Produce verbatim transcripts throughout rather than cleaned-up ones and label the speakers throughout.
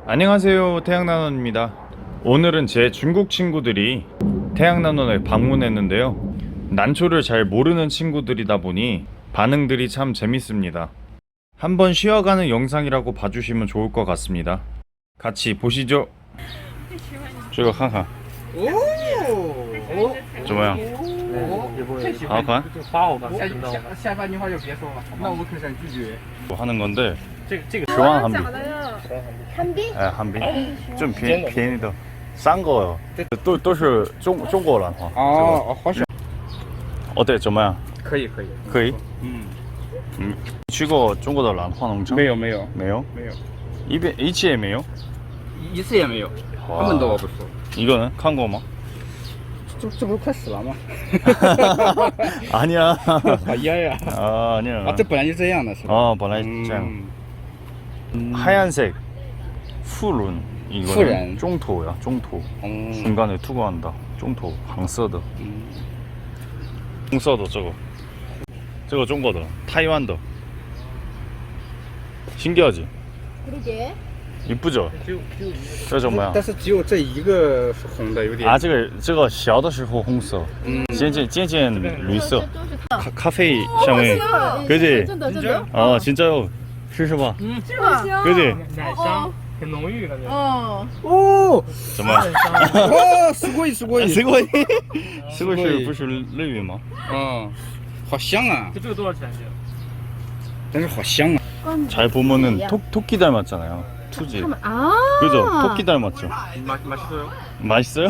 Speaker 1: 안녕하세요, 태양난원입니다. 오늘은 제 중국 친구들이 태양난원을 방문했는데요, 난초를 잘 모르는 친구들이다 보니 반응들이 참 재밌습니다. 한번 쉬어가는 영상이라고 봐주시면 좋을 것 같습니다. 같이 보시죠. 这个看看怎么样？好看？
Speaker 2: 下半句话就别说了，那我可想拒绝。
Speaker 1: 하는 건데
Speaker 3: 这个这个
Speaker 1: 十万韩币。
Speaker 4: 한비?
Speaker 1: 예, 한비. 좀便便宜的，三个都都是中中国兰花。
Speaker 2: 哦，好想。
Speaker 1: 어때? 怎么样？
Speaker 2: 可以可以。
Speaker 1: 可以。
Speaker 2: 嗯
Speaker 1: 嗯，你去过中国的兰花农场？
Speaker 2: 没有没有
Speaker 1: 没有
Speaker 2: 没有，
Speaker 1: 一遍一次也没有。
Speaker 2: 一次也没有，他们都我不说。
Speaker 1: 이거는 看过吗？
Speaker 2: 这这不是快死了吗？
Speaker 1: 아니야.
Speaker 2: 好噎呀！
Speaker 1: 아, 아니야.
Speaker 2: 啊，这本来就这样的是吧？
Speaker 1: 어, 本来这样.
Speaker 2: 음.
Speaker 1: 하얀색 푸른 이거는
Speaker 2: 푸른.
Speaker 1: 종토야, 종토.
Speaker 2: 음.
Speaker 1: 중간에 투구한다. 종토, 황서더.
Speaker 2: 음.
Speaker 1: 홍서더 저거. 저거 중국어. 타이완더. 신기하지?
Speaker 4: 그러게.
Speaker 1: 이쁘죠? 这什么呀？
Speaker 2: 但是只有这一个是红的，有点。
Speaker 1: 啊，这个这个小的时候红色，
Speaker 2: 嗯，
Speaker 1: 渐渐渐渐绿色，
Speaker 4: 都是
Speaker 1: 咖咖啡香味， 그지?
Speaker 4: 真的真的。
Speaker 1: 어 진짜요. 试试吧.
Speaker 4: 是吧？
Speaker 1: 그지?
Speaker 3: 奶香很浓郁感觉。
Speaker 4: 哦，
Speaker 2: 哦，
Speaker 1: 怎么？
Speaker 2: 哦，すごいすごい。
Speaker 1: すごい，すごい是不是日语吗？
Speaker 2: 嗯，好香啊！
Speaker 3: 这个多少钱？
Speaker 2: 但是好香啊！
Speaker 1: 잘 보면은 토 토끼 닮았잖아요. 투지.
Speaker 4: 아.
Speaker 1: 그죠? 토끼 닮았죠.
Speaker 2: 맛 맛있어요?
Speaker 1: 맛있어요?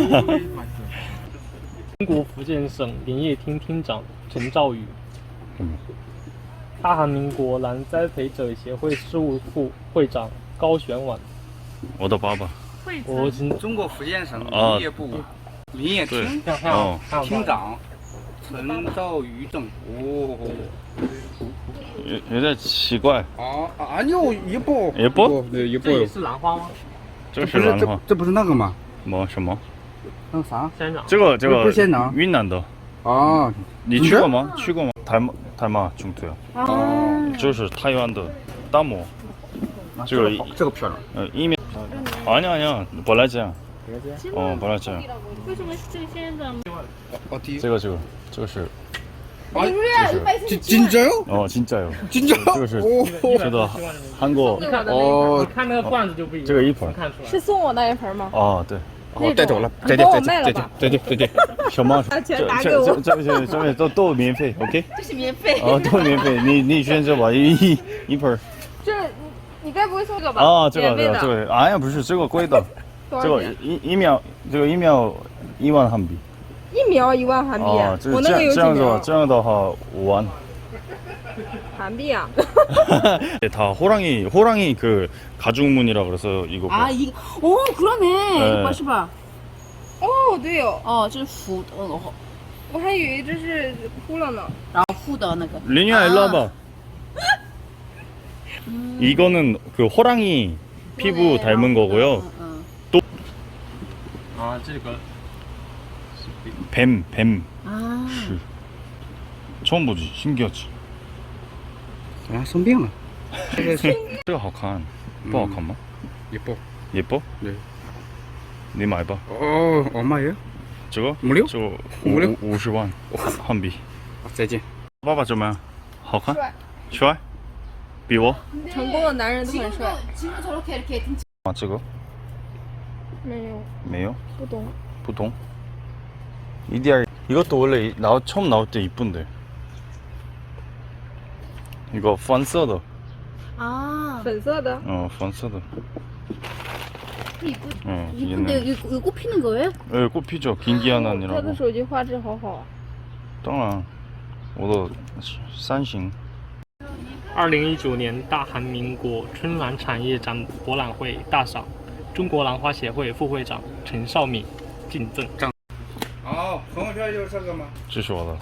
Speaker 3: 中国福建省林业厅厅长陈兆宇，
Speaker 1: 嗯
Speaker 3: 大韩民国兰栽培者协会事务副会长高玄婉，
Speaker 1: 얻어 봐봐.
Speaker 3: 我今
Speaker 2: 中国福建省
Speaker 1: 啊
Speaker 2: 林业部林业厅
Speaker 3: 看看
Speaker 1: 哦
Speaker 3: 看
Speaker 2: 厅长陈兆宇正。哦。
Speaker 1: 有有点奇怪.
Speaker 2: 아 아니요 예뻐.
Speaker 1: 예뻐?
Speaker 2: 네
Speaker 3: 这也
Speaker 2: 예뻐요.
Speaker 3: 是兰花吗？
Speaker 1: 这
Speaker 2: 不是
Speaker 1: 是兰花.
Speaker 2: 这这不是那个吗？
Speaker 1: 么什么?
Speaker 2: 那个啥？
Speaker 3: 仙人掌。
Speaker 1: 这个这个
Speaker 2: 不是仙人
Speaker 1: 云南的.
Speaker 2: 啊，
Speaker 1: 你去过吗?去过吗? 닮아 닮아 중토야.
Speaker 4: 啊，
Speaker 1: 这是台湾的大漠. 这个
Speaker 2: 好这个漂亮。
Speaker 1: 呃一面 아니야 아니야. 本来这样. 어, 本来这样.
Speaker 4: 为什么是这个仙人掌？
Speaker 2: 어 뒤.
Speaker 1: 这个这个这个是
Speaker 2: 아
Speaker 4: 진
Speaker 2: 진짜요?
Speaker 1: 어 진짜요.
Speaker 2: 진짜?
Speaker 1: 这个是
Speaker 2: 오.
Speaker 1: 这个韩国
Speaker 3: 你看
Speaker 2: 哦
Speaker 3: 你看那个罐子就不一样。
Speaker 1: 这个一盆
Speaker 3: 能看出来。
Speaker 4: 是送我那一盆吗？
Speaker 1: 啊对.
Speaker 2: 哦，带走了，
Speaker 4: 你
Speaker 2: 再见
Speaker 4: 帮我
Speaker 2: 再见
Speaker 4: 卖了吧
Speaker 2: 再见再见再见。
Speaker 1: 小猫
Speaker 4: 把钱
Speaker 1: 这
Speaker 4: 打给我
Speaker 1: 这这这这这都都免费 OK
Speaker 4: 这是免费。
Speaker 1: 哦都免费你你选择吧一一盆
Speaker 4: 这你你该不会送这个吧？
Speaker 1: 啊这个这
Speaker 4: 免费的。
Speaker 1: 个这个哎呀不是这个贵的这个
Speaker 4: 多少钱？
Speaker 1: 一一秒这个一秒一万韩币
Speaker 4: 一苗一万韩币。
Speaker 1: 哦这
Speaker 4: 我那个有几
Speaker 1: 这样子
Speaker 4: 苗？
Speaker 1: 这样的话五万
Speaker 4: 韩币啊。
Speaker 1: 다 호랑이 호랑이 그 가죽무늬라 그래서 이거 뭐.
Speaker 5: 아 이거 오 그러네
Speaker 1: 네.
Speaker 5: 이거 봐是吧
Speaker 4: 哦，对哦，
Speaker 5: 哦这是浮呃
Speaker 4: 我还以为这是秃了呢。
Speaker 5: 然后附的那个
Speaker 1: 리니야 일로 와봐 이거는 그 호랑이 피부 닮은 거고요
Speaker 5: 嗯
Speaker 3: 啊，这个
Speaker 1: 뱀 뱀
Speaker 5: 啊
Speaker 1: 씨. 처음 보지 신기하지
Speaker 2: 啊，生病了。这个是
Speaker 1: 这个好看不好看吗
Speaker 2: 예뻐.
Speaker 1: 예뻐?
Speaker 2: 네.
Speaker 1: 你买吧
Speaker 2: 어 얼마예요?
Speaker 1: 这个
Speaker 2: 무료?
Speaker 1: 这个
Speaker 2: 无料
Speaker 1: 五十万韩币
Speaker 2: 再见。
Speaker 1: 爸爸怎么样好看
Speaker 4: 帅
Speaker 1: 帅比我
Speaker 4: 成功的男人都很帅。
Speaker 5: 지금도 저렇게 이렇게 등치
Speaker 1: 啊这个
Speaker 4: 没有，
Speaker 1: 没有
Speaker 4: 不懂。
Speaker 1: 보통 이디알 이것도 원래 나 처음 나올 때 이쁜데 이거 펀서더
Speaker 5: 啊
Speaker 4: 粉色的。
Speaker 1: 어 펀서더
Speaker 5: 이쁘
Speaker 1: 어
Speaker 5: 이쁜데
Speaker 1: 얘는
Speaker 5: 이거, 이거 꽃피는 거예요?
Speaker 1: 예 꽃피죠 긴기한
Speaker 4: 他的
Speaker 1: 아니라고
Speaker 4: 手机画质好好啊。
Speaker 1: 当然我的三星
Speaker 3: 二零一九年大韩民国春兰产业展博览会大赏，中国兰花协会副会长陈少敏敬赠。
Speaker 2: 哦，朋友圈就是这个吗？
Speaker 1: 这是我的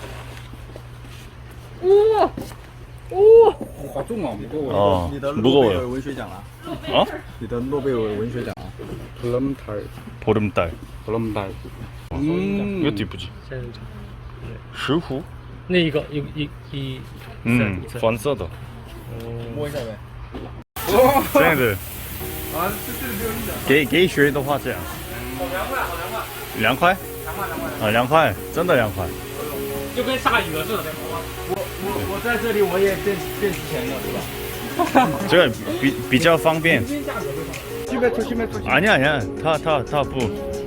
Speaker 4: 哇哇！
Speaker 2: 好重啊，不够。
Speaker 1: 어
Speaker 6: 你的诺贝尔
Speaker 1: 무거워요
Speaker 6: 文学奖了，
Speaker 1: 어?
Speaker 6: 你的诺贝尔文学奖。
Speaker 2: 보름달
Speaker 1: 보름달
Speaker 2: 보름달. 음.
Speaker 1: 이것도 이쁘지
Speaker 3: 仙人掌，
Speaker 1: 石斛
Speaker 3: 那一个一一一，
Speaker 1: 음 펀서더
Speaker 3: 哦，
Speaker 6: 摸一下呗。
Speaker 1: 这样子
Speaker 2: 啊，这这里没有一的。
Speaker 1: 给给学的话这样，
Speaker 2: 两块，
Speaker 1: 两块
Speaker 2: 好，两块，两块，两块。
Speaker 1: 啊，两块，真的两块。
Speaker 3: 就跟下雨了似的。
Speaker 2: 我我我在这里我也变变值钱了，是吧？
Speaker 1: 这个比比较方便。
Speaker 2: 七百出，七百出。
Speaker 1: 아니야 아니야 타 타 타 부.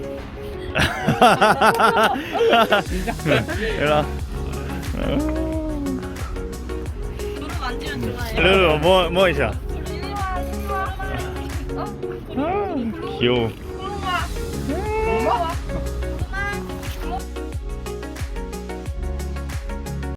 Speaker 1: 일로.
Speaker 4: 두루 만지면 좋아해요.
Speaker 1: 일로 뭐 뭐 있어? 귀여워.